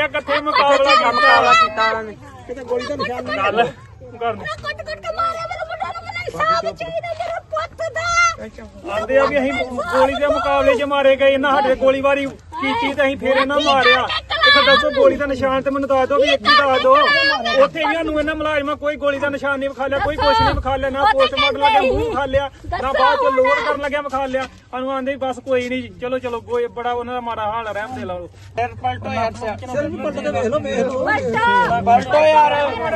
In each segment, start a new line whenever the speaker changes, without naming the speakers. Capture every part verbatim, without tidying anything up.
ਮਾਰਿਆ ਕਿੱਥੇ ਮੁਕਾਬਲਾ ਕੀਤਾ
ਮੁਕਾਬਲਾ ਕੀਤਾ ਉਹਨਾਂ ਨੇ
ਕਿਤੇ ਗੋਲੀ ਦਾ ਨਿਸ਼ਾਨ ਨਹੀਂ
ਚੱਲ ਕਰ
ਕੱਟ ਕੱਟ ਕੇ ਮਾਰਿਆ ਮੇਰੇ ਮੁੰਡੇ ਨੂੰ ਮੈਨੂੰ ਇਨਸਾਫ ਚਾਹੀਦਾ ਮੇਰੇ ਪੁੱਤ ਦਾ
ਆਂਦੇ ਆ ਵੀ ਅਸੀਂ ਗੋਲੀ ਦੇ ਮੁਕਾਬਲੇ 'ਚ ਮਾਰੇ ਗਏ ਇਹਨਾਂ ਸਾਡੇ ਗੋਲੀਬਾਰੀ ਕੀਤੀ ਤੇ ਅਸੀਂ ਫੇਰ ਇਹਨਾਂ ਮਾਰਿਆ ਇੱਥੇ ਦੱਸੋ ਗੋਲੀ ਦਾ ਨਿਸ਼ਾਨ ਤੇ ਮੈਨੂੰ ਦੱਸ ਦਿਓ ਵੀ ਇੱਕ ਹੀ ਦੱਸ ਦਿਓ ਉੱਥੇ ਵੀ ਸਾਨੂੰ ਇਹਨਾਂ ਮੁਲਾਜ਼ਮਾਂ ਕੋਈ ਗੋਲੀ ਦਾ ਨਿਸ਼ਾਨ ਨਹੀਂ ਵਿਖਾ ਲਿਆ ਕੋਈ ਕੁਛ ਨਹੀਂ ਵਿਖਾ ਲਿਆ ਨਾ ਪੋਸਟਮਾਰਟਮ ਲੱਗਿਆ ਮੂੰਹ ਵਿਖਾ ਲਿਆ ਨਾ ਬਾਅਦ ਚ ਲੋਡ ਕਰਨ ਲੱਗਿਆ ਵਿਖਾ ਲਿਆ ਸਾਨੂੰ ਆਂਦੇ ਬਸ ਕੋਈ ਨਹੀਂ ਚਲੋ ਚਲੋ ਕੋਈ ਬੜਾ ਉਹਨਾਂ ਦਾ ਮਾੜਾ ਹਾਲ ਰਹਿਮ ਦੇ ਲਾਓ
ਫਿਰ ਪਲਟੋ ਯਾਰ
ਸਿਰਫ ਪਲਟ ਕੇ ਵੇਖ ਲਓ ਵੇਖ ਲਓ
ਪਲਟੋ ਯਾਰ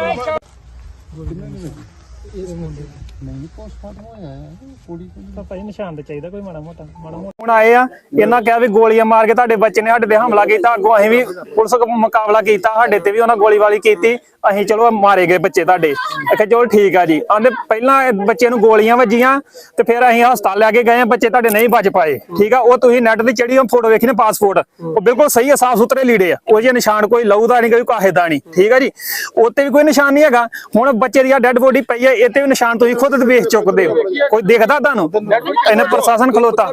ਨਹੀਂ ਪੋਸਟਮਾਰਟਮ ਹੋਇਆ ਕੁੜੀ
ਭਾਈ ਨਿਸ਼ਾਨ ਤੇ ਚਾਹੀਦਾ ਕੋਈ ਮਾੜਾ ਮੋਟਾ ਮਾੜਾ ਮੋਟਾ ਹੁਣ ਆਏ ਆ ਇਹਨਾਂ ਕਿਹਾ ਵੀ ਗੋਲੀਆਂ ਮਾਰ ਕੇ ਤੁਹਾਡੇ ਬੱਚੇ ਨੇ ਸਾਡੇ ਤੇ ਹਮਲਾ ਕੀਤਾ ਅੱਗੋਂ ਅਸੀਂ ਵੀ ਪੁਲਿਸ ਮੁਕਾਬਲਾ ਕੀਤਾ ਸਾਡੇ ਤੇ ਵੀ ਉਹਨਾਂ ਗੋਲੀਬਾਰੀ ਕੀਤੀ ਅਸੀਂ ਚਲੋ ਮਾਰੇ ਗਏ ਬੱਚੇ ਤੁਹਾਡੇ ਆਖਿਆ ਚਲੋ ਠੀਕ ਆ ਜੀ ਆਂਦੇ ਪਹਿਲਾਂ ਬੱਚੇ ਨੂੰ ਗੋਲੀਆਂ ਵੱਜੀਆਂ ਤੇ ਫਿਰ ਅਸੀਂ ਹਸਪਤਾਲ ਲੈ ਕੇ ਗਏ ਬੱਚੇ ਤੁਹਾਡੇ ਨਹੀਂ ਬਚ ਪਾਏ ਠੀਕ ਆ ਉਹ ਤੁਸੀਂ ਨੈਟ ਤੇ ਚੜੀ ਫੋਟੋ ਵੇਖੀ ਨੇ ਪਾਸਪੋਰਟ ਉਹ ਬਿਲਕੁਲ ਸਹੀ ਆ ਸਾਫ ਸੁਥਰੇ ਲੀੜੇ ਆ ਉਹ ਜੇ ਨਿਸ਼ਾਨ ਕੋਈ ਲਹੂ ਦਾ ਨਹੀਂ ਕੋਈ ਕਾਹੇ ਦਾ ਨਹੀਂ ਠੀਕ ਆ ਜੀ ਉੱਤੇ ਵੀ ਕੋਈ ਨਿਸ਼ਾਨ ਨਹੀਂ ਹੈਗਾ ਹੁਣ ਬੱਚੇ ਦੀ ਡੈਡ ਬੋਡੀ ਪਈ ਹੈ ਇਹ ਤੇ ਵੀ ਨਿਸ਼ਾਨ ਤੁਸੀਂ ਖੁਦ ਵੇਖ ਚੁੱਕਦੇ ਹੋ ਕੋਈ ਦੇਖਦਾ ਤੁਹਾਨੂੰ ਇਹਨੇ ਪ੍ਰਸ਼ਾਸਨ ਖਲੋਤਾ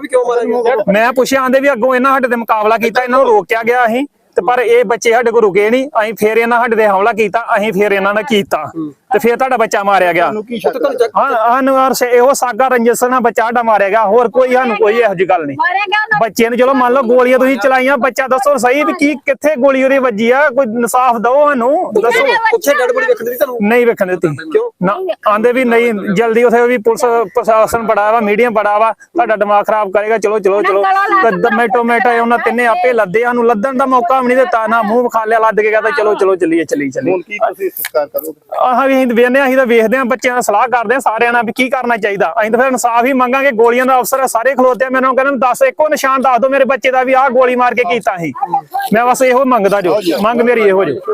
ਮੈਂ ਪੁੱਛਿਆ ਆਂਦੇ ਵੀ ਅੱਗੋਂ ਇਹਨਾਂ ਸਾਡੇ ਤੇ ਮੁਕਾਬਲਾ ਕੀਤਾ ਇਹਨਾਂ ਨੂੰ ਰੋਕਿਆ ਗਿਆ ਅਸੀਂ ਤੇ ਪਰ ਇਹ ਬੱਚੇ ਸਾਡੇ ਕੋਲ ਰੁਕੇ ਨਹੀਂ ਅਸੀਂ ਫੇਰ ਇਹਨਾਂ ਸਾਡੇ ਤੇ ਹਮਲਾ ਕੀਤਾ ਅਸੀਂ ਫੇਰ ਇਹਨਾਂ ਨੇ ਕੀਤਾ ਤੇ ਫੇਰ ਤੁਹਾਡਾ ਬੱਚਾ ਮਾਰਿਆ ਗਿਆ ਹਾਂ ਸਾਨੂੰ ਇਹੋ ਸਾਗਾ ਰੰਜਸ ਨਾਲ ਬੱਚਾ ਸਾਡਾ ਮਾਰਿਆ ਗਿਆ ਹੋਰ ਕੋਈ ਸਾਨੂੰ ਕੋਈ ਇਹੋ ਜਿਹੀ ਗੱਲ ਨਹੀਂ ਬੱਚੇ ਨੂੰ ਚਲੋ ਮੰਨ ਲਓ ਗੋਲੀਆਂ ਤੁਸੀਂ ਚਲਾਈਆਂ ਬੱਚਾ ਦੱਸੋ ਸਹੀ ਵੀ ਕੀ ਕਿੱਥੇ ਗੋਲੀ ਉਹਦੀ ਵੱਜੀ ਆ ਕੋਈ ਇਨਸਾਫ ਦਿਓ ਸਾਨੂੰ ਦੱਸੋ
ਉੱਥੇ ਡੈਡ ਬੋਡੀ ਵੇਖਣ ਦੀ ਤੁਹਾਨੂੰ
ਨਹੀਂ ਵੇਖਣ ਦਿੱਤੀ ਨਾ ਆਂਦੇ ਵੀ ਨਹੀਂ ਜਲਦੀ ਉਥੇ ਵੀ ਪੁਲਿਸ ਪ੍ਰਸ਼ਾਸਨ ਬੜਾ ਵਾ ਮੀਡੀਆ ਬੜਾ ਵਾ ਤੁਹਾਡਾ ਦਿਮਾਗ ਖਰਾਬ ਕਰੇਗਾ ਚਲੋ ਚਲੋ ਚਲੋ ਟੋਮੇਟੋ ਮੇਟਾ ਉਹਨਾਂ ਤਿੰਨੇ ਆਪੇ ਲੱਦੇ ਸਾਨੂੰ ਲੱਦਣ ਦਾ ਮੌਕਾ ਵੀ ਨਹੀਂ ਦਿੱਤਾ ਨਾ ਮੂੰਹ ਵਿਖਾ ਲਿਆ ਲੱਦ ਕੇ ਕਹਿੰਦਾ ਚਲੋ ਚਲੋ ਚੱਲੀਏ ਚੱਲੀ ਚੱਲੀ
ਹੁਣ ਕੀ ਤੁਸੀਂ ਸੰਸਕਾਰ ਕਰੋਗੇ
ਆਹ ਵੀ ਅਸੀਂ ਵੇਖਦੇ ਅਸੀਂ ਤਾਂ ਵੇਖਦੇ ਆ ਬੱਚਿਆਂ ਨਾਲ ਸਲਾਹ ਕਰਦੇ ਆ ਸਾਰਿਆਂ ਨਾਲ ਵੀ ਕੀ ਕਰਨਾ ਚਾਹੀਦਾ ਅਸੀਂ ਤਾਂ ਫਿਰ ਇਨਸਾਫ ਹੀ ਮੰਗਾਂਗੇ ਗੋਲੀਆਂ ਦਾ ਅਫਸਰ ਸਾਰੇ ਖਲੋਤੇ ਆ ਮੈਨੂੰ ਕਹਿੰਦੇ ਦੱਸ ਇੱਕੋ ਨਿਸ਼ਾਨ ਦੱਸ ਦਿਓ ਮੇਰੇ ਬੱਚੇ ਦਾ ਵੀ ਆਹ ਗੋਲੀ ਮਾਰ ਕੇ ਕੀਤਾ ਸੀ ਮੈਂ ਬਸ ਇਹੋ ਮੰਗਦਾ ਜੋ ਮੰਗ ਮੇਰੀ ਇਹੋ ਜੋ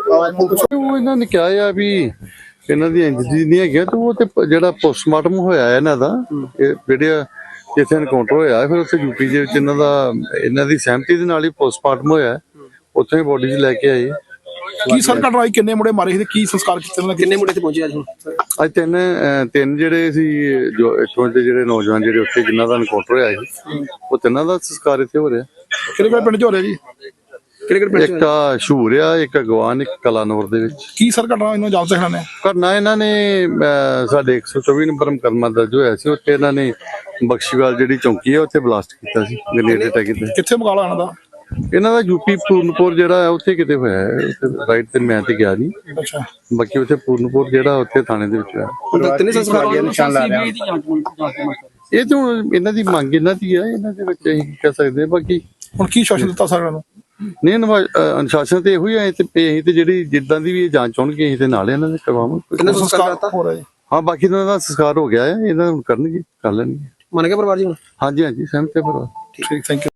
ਉਹ ਇਹਨਾਂ ਨੇ ਕਿਹਾ ਆ ਵੀ ਇਹਨਾਂ ਦੀ ਇੰਜਰੀ ਨਹੀਂ ਹੈਗੀ ਤੇ ਉਹ ਤੇ ਜਿਹੜਾ ਪੋਸਟਮਾਰਟਮ ਹੋਇਆ ਇਹਨਾਂ ਦਾ ਇਹ ਜਿਹੜੇ ਜਿੱਥੇ ਐਨਕਾਊਂਟਰ ਹੋਇਆ ਫਿਰ ਉੱਥੇ ਯੂਪੀ ਦੇ ਵਿੱਚ ਇਹਨਾਂ ਦਾ ਇਹਨਾਂ ਦੀ ਸਹਿਮਤੀ ਦੇ ਨਾਲ ਹੀ ਪੋਸਟਮਾਰਟਮ ਹੋਇਆ ਉੱਥੇ ਹੀ ਬੋਡੀ ਲੈ ਕੇ ਆਏ
ਕੀ ਸਰ ਘਟਨਾਈ ਕਿੰਨੇ ਮੁੰਡੇ ਮਾਰੇ ਸੀ ਕੀ ਸੰਸਕਾਰ ਕੀਤੇ ਉਹਨਾਂ ਕਿੰਨੇ ਮੁੰਡੇ ਤੇ ਪਹੁੰਚੇ ਅੱਜ ਹੁਣ
ਅੱਜ ਤਿੰਨ ਤਿੰਨ ਜਿਹੜੇ ਸੀ ਜੋ ਇੱਥੋਂ ਦੇ ਜਿਹੜੇ ਨੌਜਵਾਨ ਜਿਹੜੇ ਉੱਥੇ ਜਿਨ੍ਹਾਂ ਦਾ ਐਨਕਾਊਂਟਰ ਹੋਇਆ ਸੀ ਉਹ ਤਿੰਨਾਂ ਦਾ ਸੰਸਕਾਰ ਇੱਥੇ ਹੋ ਰਿਹਾ
ਕਿਹੜੇ ਕਿਹੜੇ ਪਿੰਡ ਚ ਹੋ ਰਿਹਾ ਜੀ ਕਿਹੜੇ ਕਿਹੜੇ ਪਿੰਡ
ਇੱਕ ਆ ਸ਼ੂਰ ਆ ਇੱਕ ਅਗਵਾਨ ਇੱਕ ਕਲਾਨੌਰ ਦੇ ਵਿੱਚ
ਕੀ ਸਰ ਘਟਨਾ ਇਹਨਾਂ ਜਾਣ ਸਿਖਣਾ ਨੇ
ਕਰਨਾ ਇਹਨਾਂ ਨੇ ਸਾਡੇ ਇੱਕ ਸੌ ਚੌਵੀ ਨੰਬਰ ਮੁਕੱਦਮਾ ਦਰਜ ਹੋਇਆ ਸੀ ਉੱਥੇ ਇਹਨਾਂ ਨੇ ਬਖਸ਼ੀਵਾਲ ਜਿਹੜੀ ਚੌਂਕੀ ਹੈ ਉੱਥੇ ਬਲਾਸਟ ਕੀਤਾ ਸੀ ਗ੍ਰੇਨੇਡ ਅਟੈਕ ਕੀਤਾ
ਕਿੱਥੇ ਮੁਕਾਬਲਾ ਇਹਨਾਂ ਦਾ
ਇਹਨਾਂ ਦਾ ਯੂਪੀ ਪੂਰਨਪੁਰ ਜਿਹੜਾ ਹੈ ਉੱਥੇ ਕਿਤੇ ਹੋਇਆ ਹੈ ਉੱਥੇ ਰਾਈਟ ਤੇ ਮੈਂ ਤੇ ਗਿਆ ਨਹੀਂ
ਅੱਛਾ
ਬਾਕੀ ਉੱਥੇ ਪੂਰਨਪੁਰ ਜਿਹੜਾ ਉੱਥੇ ਥਾਣੇ ਦੇ ਵਿੱਚ ਹੈ
ਤਿੰਨੇ ਸੰਸਕਾਰ ਦੇ ਨਿਸ਼ਾਨ ਲਾ ਰਿਹਾ
ਇਹ ਤਾਂ ਇਹਨਾਂ ਦੀ ਮੰਗ ਇਹਨਾਂ ਦੀ ਹੈ ਇਹਨਾਂ ਦੇ ਵਿੱਚ ਅਸੀਂ ਕਹਿ ਸਕਦੇ ਬਾਕੀ
ਹੁਣ ਕੀ ਸ਼ਾਸਨ ਦਿੱਤਾ ਸਾਰਿਆਂ ਨੂੰ
ਨਹੀਂ ਅਨੁਸ਼ਾਸਨ ਤੇ ਇਹੋ ਹੀ ਹੈ ਤੇ ਅਸੀਂ ਤੇ ਜਿਹੜੀ ਜਿੱਦਾਂ ਦੀ ਵੀ ਇਹ ਜਾਂਚ ਹੋਣਗੇ ਅਸੀਂ ਤੇ ਨਾਲ ਇਹਨਾਂ ਦੇ ਕਰਵਾਵਾਂਗੇ
ਸੰਸਕਾਰ ਹੋ ਰਿਹਾ ਜੀ
ਹਾਂ ਬਾਕੀ ਇਹਨਾਂ ਦਾ ਸੰਸਕਾਰ ਹੋ ਗਿਆ ਹੈ ਇਹਨਾਂ ਨੂੰ ਕਰਨਗੇ ਕਰ ਲੈਣਗੇ
ਮੰਨ ਗਿਆ ਪਰਿਵਾਰ ਜੀ ਹੁਣ
ਹਾਂਜੀ ਹਾਂਜੀ ਸਹਿਮਤ ਹੈ ਪਰਿਵਾਰ
ਠੀਕ ਥੈਂਕ ਯੂ